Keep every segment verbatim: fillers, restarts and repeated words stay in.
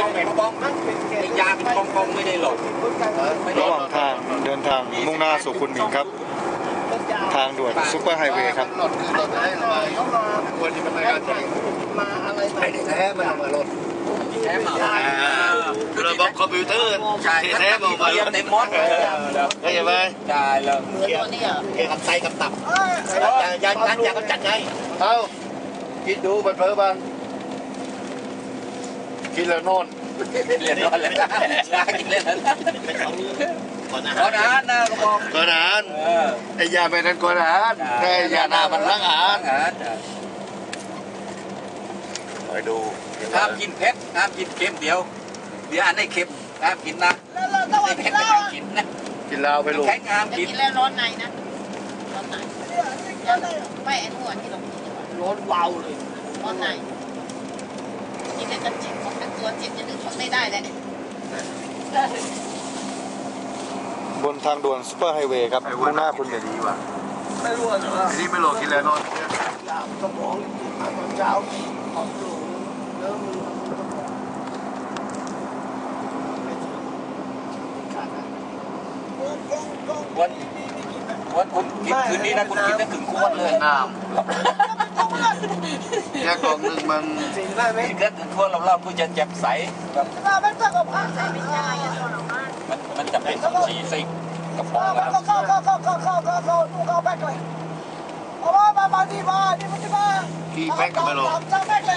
องเป็นบ้องไอ้ยาเป็นกองกองไม่ได้หลดระหว่างทางเดินทางมุ่งหน้าสู่คุณหมิงครับทางด่วนซุปเปอร์ไฮเวย์ครับรถคือรถได้ระบายควรจะเป็นการมาอะไรแท้มันมารถแท้มาระบบคอมพิวเตอร์ใช่แท้บอกมาในมดได้ยังไงได้เลยเกี่ยวเกี่ยวกับไส้กับตับยายาจัดยาก็จัดไงเอ้าคิดดูบันเพ้อบ้างคิดแล้วนอนเรียนนอนเลยชากินเล่นนั้นก่อนอาหารนะก็บอกก่อนอาหารไอ้ยาไปนั้นก่อนอาหารแต่ยาหน้ามันล้างอาหารคอยดูห้ามกินเผ็ดห้ามกินเค็มเดียวเดี๋ยวอันนี้เค็มห้ามกินนะไอ้เค็มไม่ห้ามกินนะกินเหล้าไปลูกแข็งห้ามกินแล้วร้อนในนะร้อนในไม่ไอ้หัวที่เรากินร้อนเบาเลยร้อนในกินแล้วก็เจ็บของตัวเจ็บจะนึกทนไม่ได้เลยบนทางด่วนซุปเปอร์ไฮเวย์ครับมุ่งหน้าคุณหมิงไม่รู้อ่ะนี่ไม่หลอกกินแล้วนอนสมองตอนเช้าออกลูเริ่มวันวันคุณกินคืนนี้นะคุณกินได้ถึงขวดเลยน้ำแค่กล่องหนึ่งมันกินได้ถึงขวดเราเราคุณจะเจ็บใสแบบมันมันจะเป็นชีสิกกระป๋องแล้วเข้าเข้าเข้าเข้าเข้าเข้าเข้าเข้าแบกเลยเอามามามาที่มาที่มาที่มากี่แพ็คก็ไม่หลอกสามแบกเลย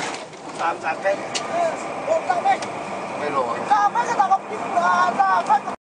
สามสามแพ็คเออสามแบกไม่หลอกสามแบกก็ต้องกินสามแบก